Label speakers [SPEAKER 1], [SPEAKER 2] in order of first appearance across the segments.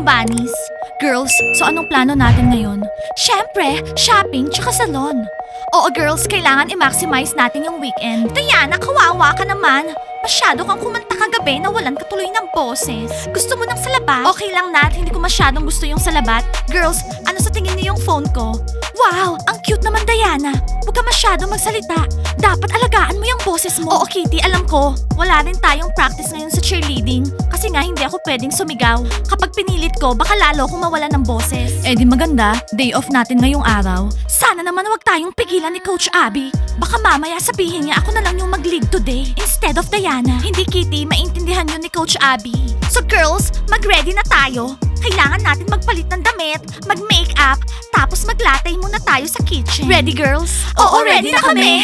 [SPEAKER 1] akong bunnies. Girls, so anong plano natin ngayon? Syempre, shopping tsaka salon. Oo girls, kailangan i-maximize natin yung weekend. Diana, kawawa ka naman. Masyado kang kumanta kagabi na walang katuloy ng boses. Gusto mo ng salabat? Okay lang Nat, hindi ko masyadong gusto yung salabat. Girls, ano sa tingin niyo yung phone ko? Wow, ang cute naman Diana. Huwag ka masyadong magsalita. Dapat alagaan mo yung boses mo. Oo Kitty, alam ko. Wala rin tayong practice ngayon sa cheerleading. Kasi nga hindi ako pwedeng sumigaw. Kapag pinilit ko, baka lalo akong mawala ng boses. Eh di maganda, day off natin ngayong araw. Sana naman wag tayong pigilan ni Coach Abby. Baka mamaya sabihin niya ako na lang yung mag-lead today instead of Diana. Hindi Kitty, maintindihan yun ni Coach Abby. So girls, mag-ready na tayo. Kailangan natin magpalit ng damit, mag-makeup, tapos maglatay muna tayo sa kitchen. Ready girls? Oo, ready na kami!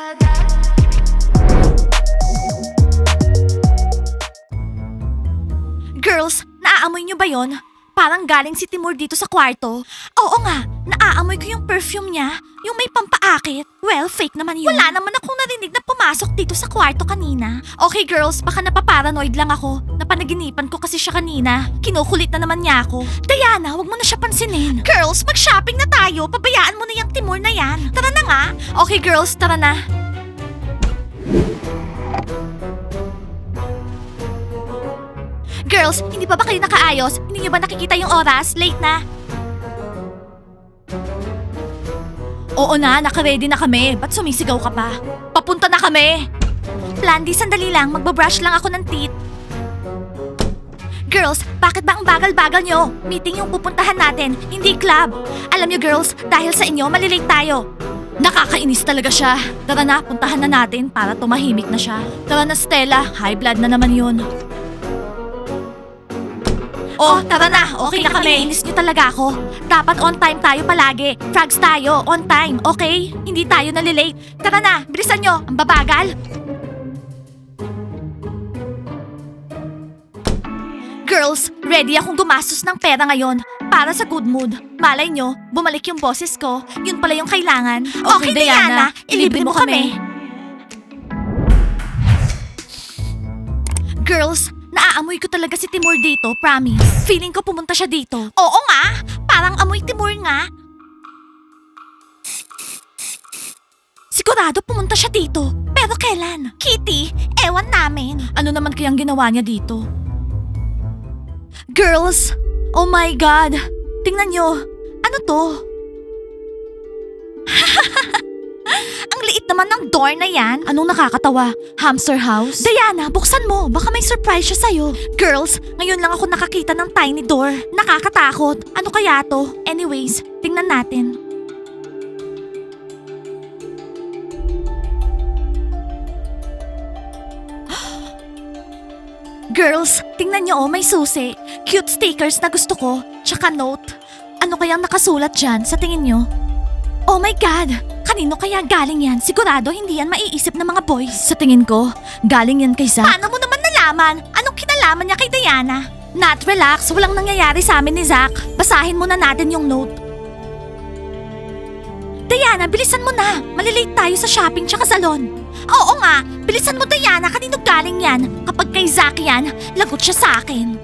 [SPEAKER 1] Girls, naaamoy niyo ba yon? Parang galing si Timur dito sa kwarto. Oo nga, naaamoy ko yung perfume niya. Yung may pampaakit. Well, fake naman yun. Wala naman akong narinig na pumasok dito sa kwarto kanina. Okay girls, baka napaparanoid lang ako. Napanaginipan ko kasi siya kanina. Kinukulit na naman niya ako. Diana, wag mo na siya pansinin. Girls, mag-shopping na tayo. Pabayaan mo na yung Timur na yan. Tara na nga. Okay girls, tara na. Girls, hindi pa ba kayo nakaayos? Hindi niyo ba nakikita yung oras? Late na. Oo na, naka-ready na kami. Ba't sumisigaw ka pa? Papunta na kami! Blandy, sandali lang. Magbabrush lang ako ng teeth. Girls, bakit ba ang bagal-bagal nyo? Meeting yung pupuntahan natin, hindi club. Alam nyo girls, dahil sa inyo, malilate tayo. Nakakainis talaga siya. Tara na, puntahan na natin para tumahimik na siya. Tara na Stella, high blood na naman yun. Oh, tara na. Okay na kami. Inis niyo talaga ako. Dapat on time tayo palagi. Frogs tayo, on time, okay? Hindi tayo nalilate. Tara na, bilisan nyo. Ang babagal. Girls, ready akong gumastos ng pera ngayon para sa good mood. Malay nyo, bumalik yung boses ko. Yun pala yung kailangan. Okay, Diana, ilibre mo kami. Girls, naaamoy ko talaga si Timur dito, promise. Feeling ko pumunta siya dito. Oo nga, parang amoy Timur nga. Sigurado pumunta siya dito. Pero kailan? Kitty, ewan namin. Ano naman kayang ginawa niya dito? Girls, oh my God. Tingnan nyo. Ano to? Ang liit naman ng door na yan. Anong nakakatawa? Hamster house? Diana, buksan mo. Baka may surprise siya sa'yo. Girls, ngayon lang ako nakakita ng tiny door. Nakakatakot. Ano kaya to? Anyways, tingnan natin. Girls, tingnan nyo oh, may susi. Cute stickers na gusto ko. Tsaka note. Ano kayang nakasulat dyan sa tingin nyo? Oh my God! Kanino kaya galing yan? Sigurado hindi yan maiisip ng mga boys. Sa tingin ko, galing yan kay Zack. Paano mo naman nalaman? Anong kinalaman niya kay Diana? Nat, relax. Walang nangyayari sa amin ni Zack. Basahin muna natin yung note. Diana, bilisan mo na. Malilate tayo sa shopping tsaka salon. Oo nga, bilisan mo Diana. Kanino galing yan? Kapag kay Zack yan, lagot siya sa akin.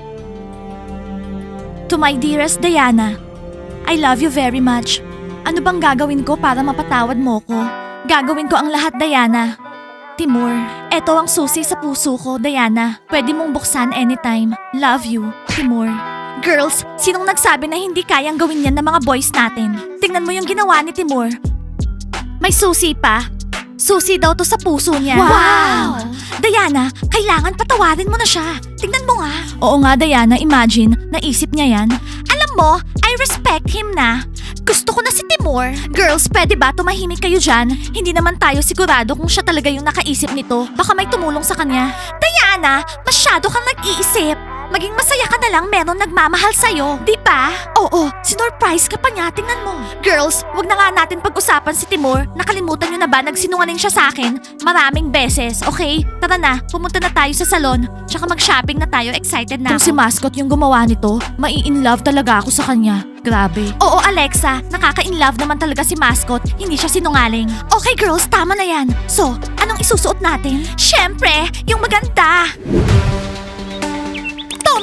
[SPEAKER 1] To my dearest Diana, I love you very much. Ano bang gagawin ko para mapatawad mo ko? Gagawin ko ang lahat, Diana. Timur, eto ang susi sa puso ko, Diana. Pwede mong buksan anytime. Love you, Timur. Girls, sinong nagsabi na hindi kayang gawin yan ng mga boys natin? Tingnan mo yung ginawa ni Timur. May susi pa. Susi daw to sa puso niya. Wow! Diana, kailangan patawarin mo na siya. Tingnan mo nga. Oo nga, Diana. Imagine, naisip niya yan. Alam mo, I respect him na. Gusto ko na si Timur. Girls, pwede ba tumahimik kayo dyan? Hindi naman tayo sigurado kung siya talaga yung nakaisip nito. Baka may tumulong sa kanya. Diana, masyado kang nag-iisip. Maging masaya ka na lang meron nagmamahal sa'yo. Di ba? Oo, sinurprise ka pa niya. Tingnan mo. Girls, wag na nga natin pag-usapan si Timur. Nakalimutan niyo na ba nagsinungaling siya sa akin? Maraming beses, okay? Tara na, pumunta na tayo sa salon. Tsaka mag-shopping na tayo. Excited na
[SPEAKER 2] Kung si Mascot yung gumawa nito, mai-in-love talaga ako sa kanya. Grabe.
[SPEAKER 1] Oo, Alexa. Nakaka-inlove naman talaga si Mascot. Hindi siya sinungaling. Okay, girls. Tama na yan. So, anong isusuot natin? Syempre, yung maganda.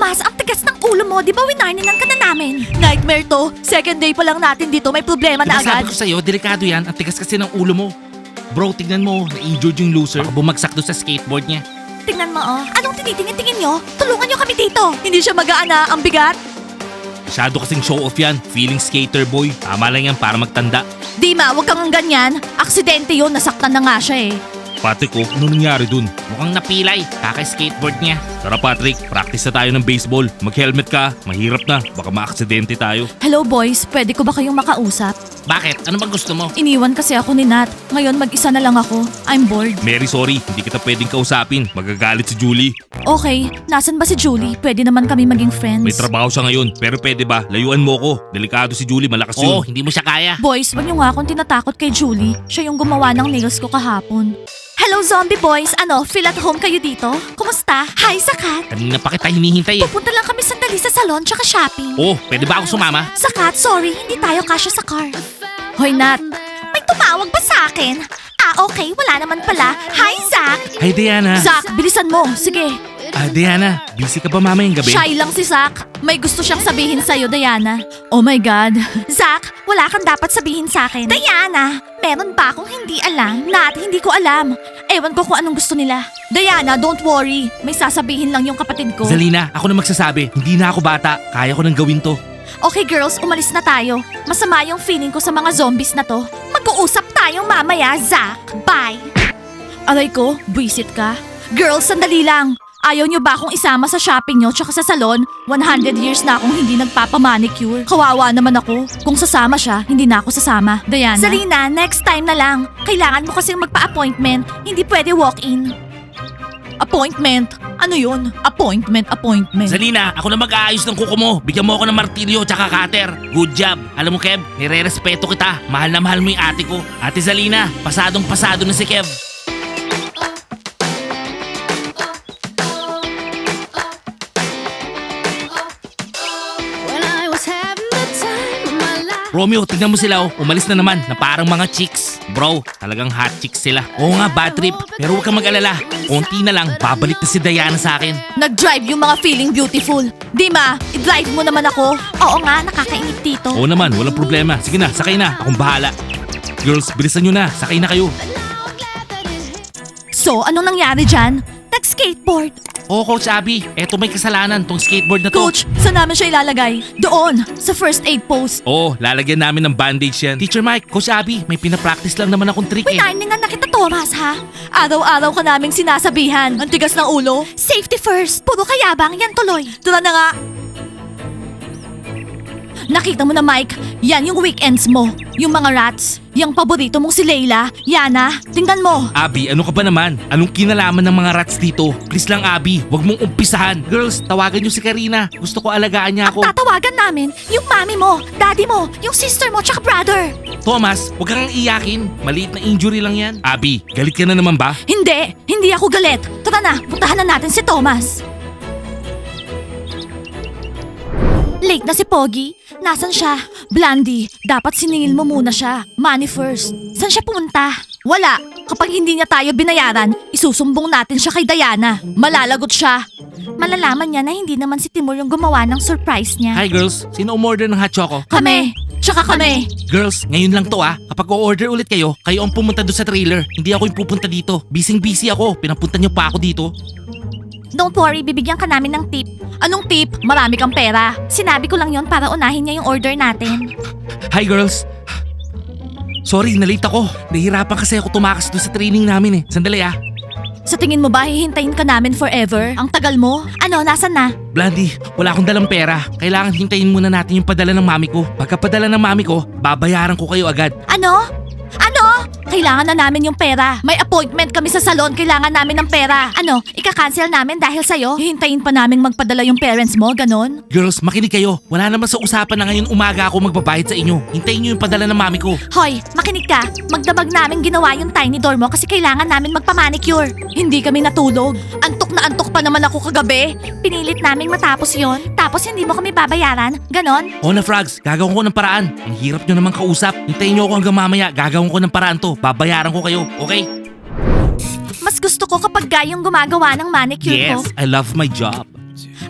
[SPEAKER 1] Thomas, ang tigas ng ulo mo. Di ba winarninan ka na namin?
[SPEAKER 2] Nightmare to. Second day pa lang natin dito, may problema na
[SPEAKER 3] Diba sabi
[SPEAKER 2] agad.
[SPEAKER 3] ko sa'yo, delikado yan. Ang tigas kasi ng ulo mo. Bro, tignan mo. Na-injured yung loser. Baka bumagsak doon sa skateboard niya.
[SPEAKER 1] Tingnan mo, oh. Anong tinitingin-tingin nyo? Tulungan nyo kami dito.
[SPEAKER 2] Hindi siya mag-aana, ang bigat.
[SPEAKER 3] Masyado kasing show off yan. Feeling skater boy. Tama lang yan para magtanda.
[SPEAKER 2] Dima, wag kang ganyan. Aksidente yun, nasaktan na nga siya eh.
[SPEAKER 3] Patrick, oh, ano nangyari dun? Mukhang napilay. Kaka-skateboard niya. Tara Patrick, practice na tayo ng baseball. Mag-helmet ka. Mahirap na. Baka ma-aksidente tayo.
[SPEAKER 2] Hello boys, pwede ko ba kayong makausap?
[SPEAKER 3] Bakit? Ano bang gusto mo?
[SPEAKER 2] Iniwan kasi ako ni Nat. Ngayon mag-isa na lang ako. I'm bored.
[SPEAKER 3] Mary, sorry. Hindi kita pwedeng kausapin. Magagalit si Julie.
[SPEAKER 2] Okay, nasan ba si Julie? Pwede naman kami maging friends.
[SPEAKER 3] May trabaho siya ngayon. Pero pwede ba? Layuan mo ko. Delikado si Julie. Malakas yun. Oo, hindi mo siya kaya.
[SPEAKER 2] Boys, wag niyo nga akong tinatakot kay Julie. Siya yung gumawa ng nails ko kahapon.
[SPEAKER 1] Hello, zombie boys. Ano, feel at home kayo dito? Kumusta? Hi, Sakat.
[SPEAKER 3] Kanina pa kita hinihintay eh.
[SPEAKER 1] Pupunta lang kami sandali sa salon tsaka shopping.
[SPEAKER 3] Oh, pwede ba ako sumama?
[SPEAKER 1] Sakat, sorry. Hindi tayo kasya sa car.
[SPEAKER 2] Hoy Nat,
[SPEAKER 1] May tumawag ba sa akin? Ah, okay. Wala naman pala. Hi, Zach.
[SPEAKER 3] Hi, Diana.
[SPEAKER 2] Zach, bilisan mo. Sige.
[SPEAKER 3] Diana, busy ka ba mamayang gabi?
[SPEAKER 2] Shy lang si Zach. May gusto siyang sabihin sa'yo, Diana. Oh my God.
[SPEAKER 1] Zach, wala kang dapat sabihin sa akin. Diana, meron ba akong hindi alam?
[SPEAKER 2] Nat, hindi ko alam. Ewan ko kung anong gusto nila. Diana, don't worry. May sasabihin lang yung kapatid ko.
[SPEAKER 3] Zalina, ako na magsasabi. Hindi na ako bata. Kaya ko nang gawin to.
[SPEAKER 1] Okay, girls, umalis na tayo. Masama yung feeling ko sa mga zombies na to. Mag-uusap tayong mamaya, Zach. Bye.
[SPEAKER 2] Aray ko, buwisit ka. Girls, sandali lang. Ayaw nyo ba akong isama sa shopping nyo tsaka sa salon? 100 years na akong hindi nagpapamanicure. Kawawa naman ako. Kung sasama siya, hindi na ako sasama. Diana.
[SPEAKER 1] Zalina, next time na lang. Kailangan mo kasing magpa-appointment. Hindi pwede walk-in.
[SPEAKER 2] Appointment? Ano yun? Appointment.
[SPEAKER 3] Zalina, ako na mag-aayos ng kuko mo. Bigyan mo ako ng martilyo tsaka cutter. Good job. Alam mo, Kev, nire-respeto kita. Mahal na mahal mo yung ate ko. Ate Zalina, pasadong pasado na si Kev.
[SPEAKER 4] When I was having the time of my life.
[SPEAKER 3] Romeo, tignan mo sila oh. Umalis na naman na parang mga chicks. Bro, talagang hot chicks sila. Oo nga, bad trip. Pero huwag kang mag-alala. Konti na lang, babalik na si Diana sa akin.
[SPEAKER 2] Nag-drive yung mga feeling beautiful. Dima, i-drive mo naman ako.
[SPEAKER 1] Oo nga, nakakainip dito.
[SPEAKER 3] Oo naman, walang problema. Sige na, sakay na. Akong bahala. Girls, bilisan nyo na. Sakay na kayo.
[SPEAKER 4] Now I'm glad that it hit.
[SPEAKER 2] So, anong nangyari dyan?
[SPEAKER 1] Nag-skateboard.
[SPEAKER 3] Oo, Coach Abby. Eto may kasalanan tong skateboard na to.
[SPEAKER 2] Coach, saan namin siya ilalagay? Doon, sa first aid post.
[SPEAKER 3] Oo, lalagyan namin ng bandage yan. Teacher Mike, Coach Abby, may pinapractice lang naman akong trick eh.
[SPEAKER 1] Winarningan na kita, Thomas, ha?
[SPEAKER 2] Araw-araw ka naming sinasabihan. Ang tigas ng ulo.
[SPEAKER 1] Safety first. Puro kayabang yan tuloy.
[SPEAKER 2] Tara na nga. Nakita mo na, Mike, yan yung weekends mo. Yung mga rats. Yung paborito mong si Layla. Yana, tingnan mo.
[SPEAKER 3] Abby, ano ka ba naman? Anong kinalaman ng mga rats dito? Please lang, Abby, wag mong umpisahan. Girls, tawagan niyo si Karina. Gusto ko alagaan niya ako.
[SPEAKER 1] Tatawagan namin yung mami mo, daddy mo, yung sister mo, tsaka brother.
[SPEAKER 3] Thomas, wag kang iyakin. Maliit na injury lang yan. Abby, galit ka na naman ba?
[SPEAKER 2] Hindi ako galit. Tara na, puntahan na natin si Thomas.
[SPEAKER 1] Late na si Pogi. Nasaan siya?
[SPEAKER 2] Blandy, dapat siningil mo muna siya. Money first.
[SPEAKER 1] Saan siya pumunta?
[SPEAKER 2] Wala. Kapag hindi niya tayo binayaran, isusumbong natin siya kay Diana. Malalagot siya.
[SPEAKER 1] Malalaman niya na hindi naman si Timur yung gumawa ng surprise niya.
[SPEAKER 3] Hi girls, sino umorder ng hot choco?
[SPEAKER 2] Kami. Tsaka kami.
[SPEAKER 3] Girls, ngayon lang to ah. Kapag o-order ulit kayo, kayo ang pumunta doon sa trailer. Hindi ako yung pupunta dito. Busy ako. Pinapunta niyo pa ako dito.
[SPEAKER 1] Don't worry, bibigyan ka namin ng tip.
[SPEAKER 2] Anong tip? Marami kang pera.
[SPEAKER 1] Sinabi ko lang yon para unahin niya yung order natin.
[SPEAKER 3] Hi girls. Sorry, nalate ako. Nahihirapan kasi ako tumakas doon sa training namin eh. Sandali ah.
[SPEAKER 2] Sa tingin mo ba hihintayin ka namin forever? Ang tagal mo?
[SPEAKER 1] Ano, nasan na?
[SPEAKER 3] Blandy, wala akong dalang pera. Kailangan hintayin muna natin yung padala ng mami ko. Pagkapadala ng mami ko, babayaran ko kayo agad.
[SPEAKER 1] Ano? Ano?
[SPEAKER 2] Kailangan na namin yung pera. May appointment kami sa salon. Kailangan namin ng pera.
[SPEAKER 1] Ano? Ika-cancel namin dahil sa'yo?
[SPEAKER 2] Hihintayin pa namin magpadala yung parents mo, ganon?
[SPEAKER 3] Girls, makinig kayo. Wala naman sa usapan na ngayon umaga ako magbabayad sa inyo. Hintayin niyo yung padala ng mami ko.
[SPEAKER 1] Hoy, makinig ka. Magdamag namin ginawa yung tiny door mo kasi kailangan namin magpamanicure.
[SPEAKER 2] Hindi kami natulog. Antok na antok pa naman ako kagabi.
[SPEAKER 1] Pinilit naming matapos yon. Tapos hindi mo kami babayaran. Ganon?
[SPEAKER 3] O na frogs, gagawin ko ng paraan. Ang hirap nyo naman kausap. Hintayin nyo ako hanggang mamaya. Gagawin ko ng paraan to. Babayaran ko kayo, okay?
[SPEAKER 1] Mas gusto ko kapag guy yung gumagawa ng manicure ko.
[SPEAKER 3] Yes, I love my job.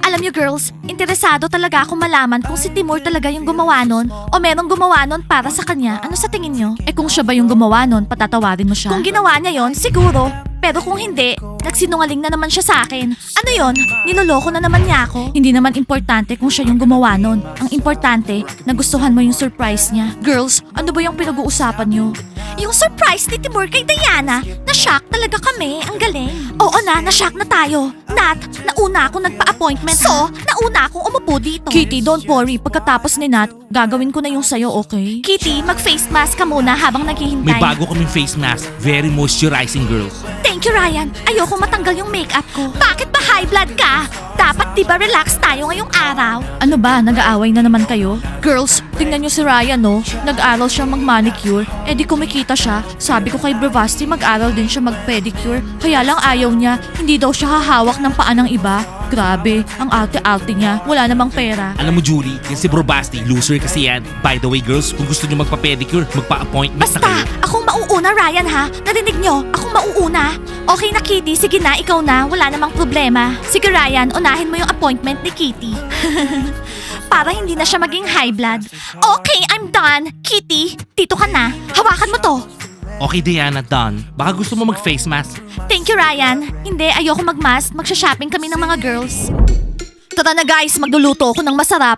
[SPEAKER 1] Alam niyo girls, interesado talaga ako malaman kung si Timur talaga yung gumawa nun o merong gumawa nun para sa kanya. Ano sa tingin niyo?
[SPEAKER 2] Eh kung siya ba yung gumawa nun, patatawarin mo siya?
[SPEAKER 1] Kung ginawa niya yon, siguro. Pero kung hindi, nagsinungaling na naman siya sa akin. Ano yon? Niloloko na naman niya ako.
[SPEAKER 2] Hindi naman importante kung siya yung gumawa nun. Ang importante, nagustuhan mo yung surprise niya. Girls, ano ba yung pinag-uusapan niyo?
[SPEAKER 1] Yung surprise ni Timur kay Diana, na-shock talaga kami. Ang galing. Oo na-shock na tayo. Nat, nauna akong nagpa-appointment. So, nauna akong umupo dito.
[SPEAKER 2] Kitty, don't worry. Pagkatapos ni Nat, gagawin ko na yung sayo, okay?
[SPEAKER 1] Kitty, mag-face mask ka muna habang naghihintay.
[SPEAKER 3] May bago kaming face mask. Very moisturizing, girls.
[SPEAKER 1] Thank you, Ryan. Ayoko matanggal yung makeup ko. Bakit ba high blood ka? Dapat di ba relax tayo ngayong araw?
[SPEAKER 2] Ano ba, nag-aaway na naman kayo? Girls, tingnan niyo si Ryan, no? Nag-aral siya mag-manicure, eh di kumikita siya. Sabi ko kay Bravasti, mag-aral din siya mag-pedicure. Kaya lang ayaw niya, hindi daw siya hahawak ng paa ng iba. Grabe, ang arte-arte niya. Wala namang pera.
[SPEAKER 3] Alam mo, Julie, yan si Bro Basti, loser kasi yan. By the way, girls, kung gusto nyo magpa-pedicure, magpa-appointment na
[SPEAKER 1] Basta,
[SPEAKER 3] kayo.
[SPEAKER 1] akong mauuna, Ryan, ha? Narinig nyo? Akong mauuna. Okay na, Kitty. Sige na, ikaw na. Wala namang problema. Sige, Ryan, unahin mo yung appointment ni Kitty. Para hindi na siya maging high blood. Okay, I'm done. Kitty, dito ka na. Hawakan mo to.
[SPEAKER 3] Okay, Diana, done. Baka gusto mo mag-face mask.
[SPEAKER 1] Thank you, Ryan. Hindi, ayoko mag-mask. Magsha-shopping kami ng mga girls.
[SPEAKER 2] Tara na guys, magluluto ako ng masarap.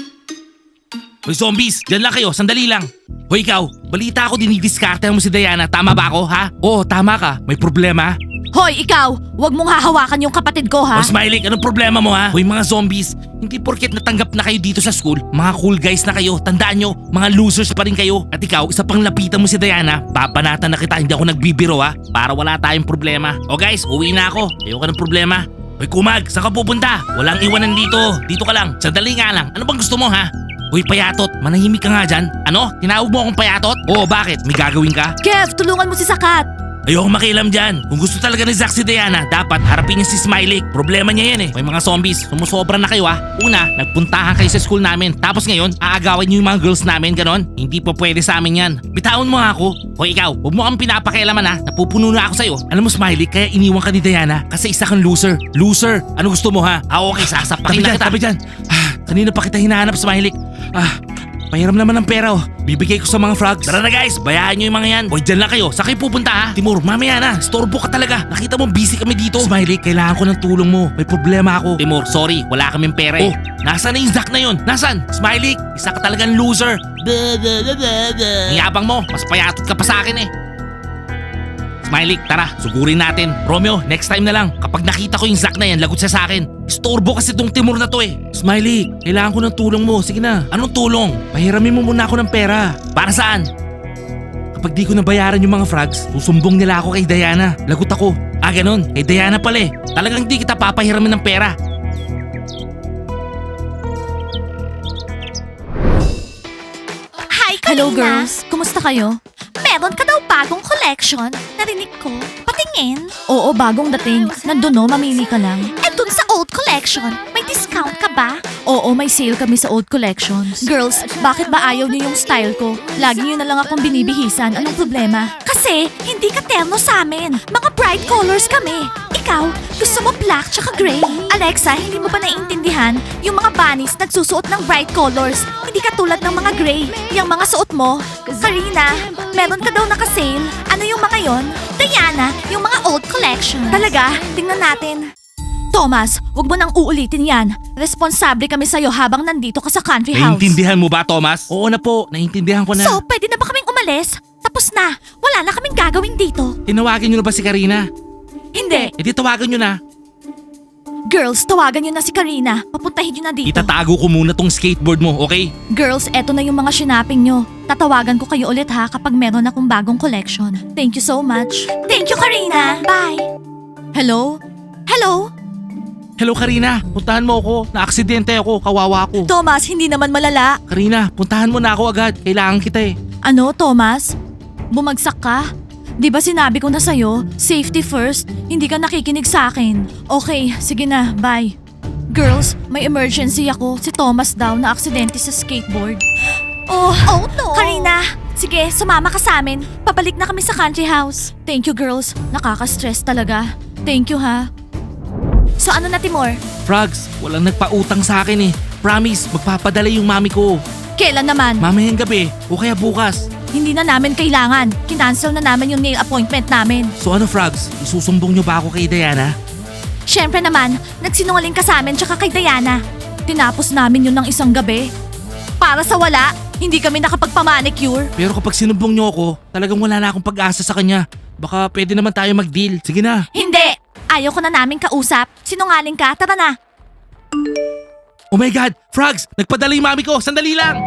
[SPEAKER 3] Hoy, zombies, dyan lang kayo, sandali lang. Hoy, ikaw, balita ako dinidiskarte mo si Diana. Tama ba ako, ha? Oo, tama ka. May problema?
[SPEAKER 2] Hoy, ikaw! Huwag mong hahawakan yung kapatid ko, ha?
[SPEAKER 3] O Smiley, anong problema mo ha? Hoy mga zombies, hindi porket natanggap na kayo dito sa school, mga cool guys na kayo, tandaan nyo, mga losers pa rin kayo. At ikaw, isa pang lapitan mo si Diana, papanatan na kita, hindi ako nagbibiro ha, para wala tayong problema. O guys, uwi na ako, ayoko ng problema. Hoy Kumag, saan ka pupunta? Walang iwanan dito, dito ka lang, sandali nga lang, ano bang gusto mo ha? Hoy Payatot, manahimik ka nga dyan. Ano? Tinawag mo akong Payatot? Oo, bakit? May gagawin ka?
[SPEAKER 2] Kev, tulungan mo si Sakat!
[SPEAKER 3] Ayoko makialam dyan. Kung gusto talaga ni Zack si Diana, dapat harapin niya si Smiley. Problema niya yan eh. May mga zombies, sumusobra na kayo ah. Una, nagpuntahan kayo sa school namin. Tapos ngayon, aagawin niyo yung mga girls namin, ganon. Hindi pa pwede sa amin yan. Bitawan mo nga ako. O ikaw, huwag mo kang pinapakialaman ha. Napupuno na ako sa'yo. Alam mo Smiley, kaya iniwan ka ni Diana kasi isa kang loser. Loser! Ano gusto mo ha? Okay, sasapakin na kita. Tabi dyan. Kanina pa kita hinahanap, Smiley. Pahiram naman ng pera oh. Bibigay ko sa mga frogs. Tara na guys, bayaan nyo yung mga yan. Hoy, dyan lang kayo. Saan kayo pupunta ha? Timur, mamaya na. Storbo ka talaga. Nakita mo busy kami dito. Smiley, kailangan ko ng tulong mo. May problema ako. Timur, sorry. Wala kaming pera eh. Oh, nasaan na yung Zack na yun? Nasaan? Smiley, isa ka talagang loser. Ang yabang mo. Mas payatot ka pa sa akin eh. Smiley, tara, sugurin natin. Romeo, next time na lang. Kapag nakita ko yung Zack na yan, lagot siya sa akin. Storbo kasi tong Timur na to eh. Smiley, kailangan ko ng tulong mo. Sige na. Anong tulong? Pahiramin mo muna ako ng pera. Para saan? Kapag di ko nabayaran yung mga frogs, susumbong nila ako kay Diana. Lagot ako. Ganon. Kay Diana pala eh. Talagang di kita papahiramin ng pera.
[SPEAKER 1] Hi, Karina.
[SPEAKER 2] Hello girls, kumusta kayo?
[SPEAKER 1] Meron ka daw bagong collection. Narinig ko. Patingin.
[SPEAKER 2] Oo, bagong dating. Nandun no, mamili ka lang.
[SPEAKER 1] Eh dun sa old collection, may discount ka ba?
[SPEAKER 2] Oo, may sale kami sa old collections. Girls, bakit ba ayaw niyo yung style ko? Lagi niyo na lang akong binibihisan. Anong problema?
[SPEAKER 1] Kasi hindi ka terno sa amin. Mga bright colors kami. Ikaw, gusto mo black tsaka gray. Alexa, hindi mo ba naiintindihan? Yung mga bunnies nagsusuot ng bright colors. Hindi ka tulad ng mga gray. Yung mga suot mo. Karina, meron ka daw naka-sale. Ano yung mga yon? Diana, yung mga old collection. Talaga? Tingnan natin.
[SPEAKER 2] Thomas, wag mo nang uulitin yan. Responsable kami sa'yo habang nandito ka sa country house.
[SPEAKER 3] Naiintindihan mo ba, Thomas? Oo na po, naiintindihan ko na.
[SPEAKER 1] So, pwede na ba kaming umalis? Tapos na. Wala na kaming gagawin dito.
[SPEAKER 3] Tinawagin nyo na ba si Karina?
[SPEAKER 2] Hindi.
[SPEAKER 3] E di tawagan nyo na.
[SPEAKER 2] Girls, tawagan nyo na si Karina. Papuntahin nyo na dito.
[SPEAKER 3] Itatago ko muna tong skateboard mo, okay?
[SPEAKER 2] Girls, eto na yung mga shinaping nyo. Tatawagan ko kayo ulit ha kapag meron akong bagong collection. Thank you so much.
[SPEAKER 1] Thank you, Karina. Bye.
[SPEAKER 2] Hello?
[SPEAKER 1] Hello?
[SPEAKER 3] Hello Karina, puntahan mo ako. Naaksidente ako, kawawa ako.
[SPEAKER 2] Thomas, hindi naman malala.
[SPEAKER 3] Karina, puntahan mo na ako agad. Kailangan kita eh.
[SPEAKER 2] Ano, Thomas? Bumagsak ka? Di ba sinabi ko na sa'yo, safety first, hindi ka nakikinig sa akin. Okay, sige na, bye. Girls, may emergency ako. Si Thomas daw na aksidente sa skateboard.
[SPEAKER 1] Oh no. Karina, sige, sumama ka sa amin. Pabalik na kami sa country house.
[SPEAKER 2] Thank you girls, nakaka-stress talaga. Thank you ha.
[SPEAKER 1] So ano na, Timur?
[SPEAKER 3] Frogs, walang nagpautang sa akin eh. Promise, magpapadala yung mami ko.
[SPEAKER 2] Kailan naman?
[SPEAKER 3] Mamayang gabi o kaya bukas.
[SPEAKER 2] Hindi na namin kailangan. Kinancel na namin yung nail appointment namin.
[SPEAKER 3] So ano Frogs, isusumbong nyo ba ako kay Diana?
[SPEAKER 1] Siyempre naman, nagsinungaling ka sa amin tsaka kay Diana.
[SPEAKER 2] Tinapos namin yun ng isang gabi. Para sa wala, hindi kami nakapagpamanicure.
[SPEAKER 3] Pero kapag sinumbong nyo ako, talagang wala na akong pag-asa sa kanya. Baka pwede naman tayo mag-deal. Sige na.
[SPEAKER 1] Hindi! Ayaw ko na namin kausap. Sinungaling ka, tara na.
[SPEAKER 3] Oh my God! Frogs! Nagpadala yung mami ko! Sandali lang!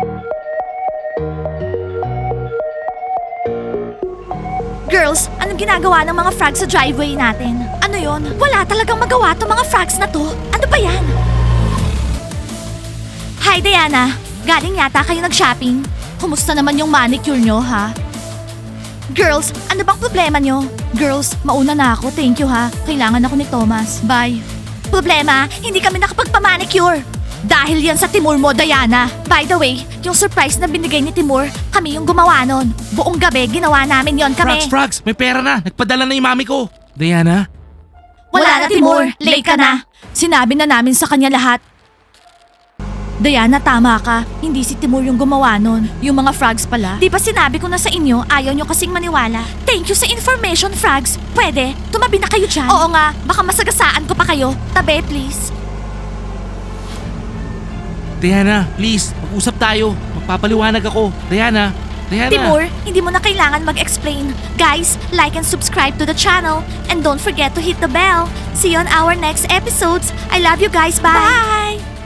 [SPEAKER 1] Girls, anong ginagawa ng mga frogs sa driveway natin? Ano yon? Wala talagang magawa tong mga frogs na to. Ano ba yan? Hi, Diana. Galing yata kayo nag-shopping.
[SPEAKER 2] Kumusta naman yung manicure nyo, ha?
[SPEAKER 1] Girls, ano bang problema nyo?
[SPEAKER 2] Girls, mauna na ako. Thank you, ha? Kailangan ako ni Thomas. Bye.
[SPEAKER 1] Problema, hindi kami nakapagpamanicure.
[SPEAKER 2] Dahil yan sa Timur mo, Diana.
[SPEAKER 1] By the way, yung surprise na binigay ni Timur, kami yung gumawa nun. Buong gabi, ginawa namin yon kami.
[SPEAKER 3] Frogs! May pera na! Nagpadala na yung mami ko! Diana?
[SPEAKER 1] Wala na, Timur. Late ka na.
[SPEAKER 2] Sinabi na namin sa kanya lahat. Diana, tama ka. Hindi si Timur yung gumawa nun. Yung mga frogs pala.
[SPEAKER 1] Di ba sinabi ko na sa inyo, ayaw nyo kasing maniwala? Thank you sa information, frogs. Pwede, tumabi na kayo dyan. Oo nga, baka masagasaan ko pa kayo. Tabi, please.
[SPEAKER 3] Diana, please, mag-usap tayo. Magpapaliwanag ako. Diana? Diana?
[SPEAKER 1] Timur, hindi mo na kailangan mag-explain. Guys, like and subscribe to the channel. And don't forget to hit the bell. See you on our next episodes. I love you guys. Bye! Bye!